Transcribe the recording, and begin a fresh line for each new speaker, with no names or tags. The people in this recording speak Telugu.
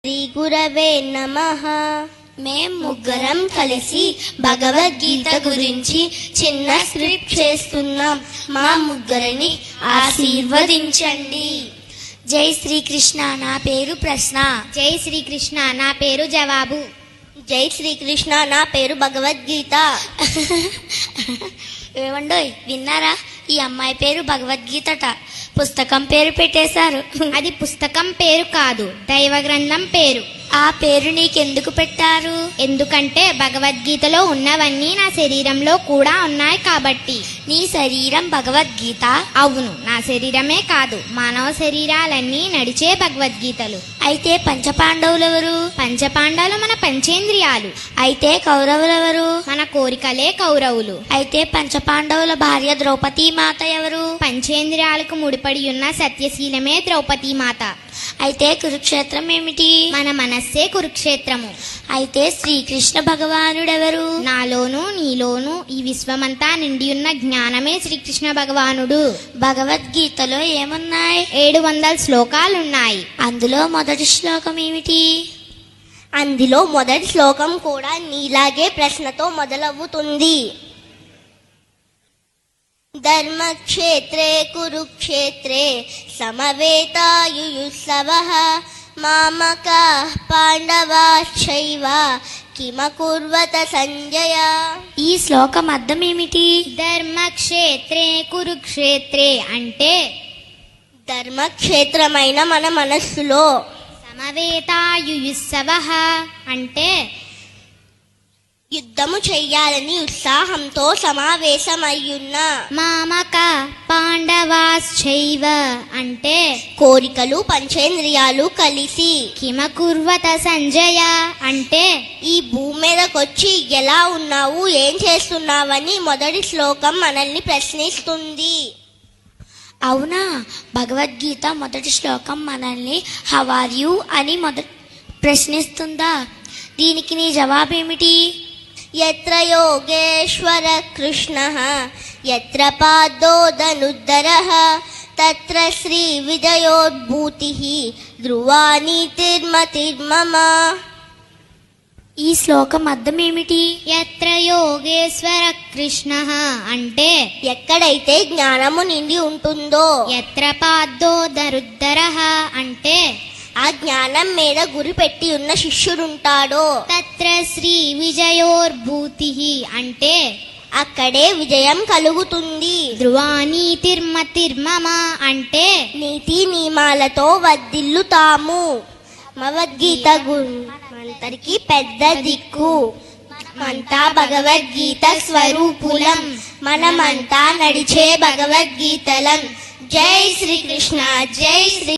శ్రీ గురవే నమః. మేం ముగ్గురం కలిసి భగవద్గీత గురించి చిన్న స్క్రిప్ట్ చేస్తున్నాం. మా ముగ్గురిని ఆశీర్వదించండి.
జై శ్రీకృష్ణ, నా పేరు ప్రశ్న.
జై శ్రీకృష్ణ, నా పేరు జవాబు.
జై శ్రీకృష్ణ, నా పేరు భగవద్గీత.
ఏమండోయ్, విన్నారా? ఈ అమ్మాయి పేరు భగవద్గీతట. పుస్తకం పేరు పెట్టేశారు.
అది పుస్తకం పేరు కాదు, దైవ గ్రంథం పేరు.
ఆ పేరు నీకెందుకు పెట్టారు?
ఎందుకంటే భగవద్గీతలో ఉన్నవన్నీ నా శరీరంలో కూడా ఉన్నాయి కాబట్టి.
నీ శరీరం భగవద్గీత?
అవును, నా శరీరమే కాదు, మానవ శరీరాలన్నీ నడిచే భగవద్గీతలు.
అయితే పంచపాండవులెవరు?
పంచపాండాలు మన పంచేంద్రియాలు.
అయితే కౌరవులెవరు?
మన కోరికలే కౌరవులు.
అయితే పంచపాండవుల భార్య ద్రౌపదీ మాత ఎవరు?
పంచేంద్రియాలకు ముడిపడి ఉన్న సత్యశీలమే ద్రౌపదీ మాత.
అయితే కురుక్షేత్రం ఏమిటి?
మన మనస్సే కురుక్షేత్రము.
అయితే శ్రీకృష్ణ భగవానుడెవరు?
నాలోను నీలోను ఈ విశ్వమంతా నిండి ఉన్న జ్ఞానమే శ్రీకృష్ణ భగవానుడు.
భగవద్గీతలో ఏమున్నాయి?
700 శ్లోకాలున్నాయి.
అందులో మొదటి శ్లోకం ఏమిటి?
అందులో మొదటి శ్లోకం కూడా నీలాగే ప్రశ్నతో మొదలవుతుంది. ధర్మక్షేత్రే కురుక్షేత్రే సమవేతాయుయుత్సవః మామకాః పాండవాశ్చైవ కిమకుర్వత సంజయ.
ఈ శ్లోకం అర్థం ఏమిటి?
ధర్మక్షేత్రే కురుక్షేత్రే అంటే
ధర్మక్షేత్రమైన మన మనస్సులో,
సమవేతాయుయుత్సవః అంటే
యుద్ధము చెయ్యాలని ఉత్సాహంతో సమావేశమయ్యున్న,
మామక పాండవాశ్చైవ అంటే
కోరికలు పంచేంద్రియాలు కలిసి,
కిమకుర్వత సంజయ అంటే
ఈ భూమి మీదకొచ్చి ఎలా ఉన్నావు, ఏం చేస్తున్నావని మొదటి శ్లోకం మనల్ని ప్రశ్నిస్తుంది.
అవునా? భగవద్గీత మొదటి శ్లోకం మనల్ని హౌ ఆర్ యు అని ప్రశ్నిస్తుందా? దీనికి నీ జవాబేమిటి?
యత్ర యోగేశ్వర కృష్ణః యత్ర పాదోదనుద్దరః తత్ర శ్రీ విజయోద్భూతిః ధ్రువా నీతిర్మతిర్మమ.
ఈ శ్లోకం అర్థం ఏమిటి?
యత్ర యోగేశ్వర కృష్ణః అంటే
ఎక్కడైతే జ్ఞానము నిండి ఉంటుందో,
యత్ర పాదోదరుద్దరః అంటే
ఆ జ్ఞానం మీద గురి పెట్టి ఉన్న శిష్యుడుంటాడో,
తత్ర శ్రీ విజయోర్భూతిః అంటే
అక్కడే విజయం కలుగుతుంది.
ధ్రువానీతిర్మతిర్మమ అంటే
నీతి నియమాలతో వర్ధిల్లుతాము. భగవద్గీత మనందరికీ పెద్ద దిక్కు. మనమంతా భగవద్గీత స్వరూపులం. మనమంతా నడిచే భగవద్గీతలం. జై శ్రీకృష్ణ, జై శ్రీ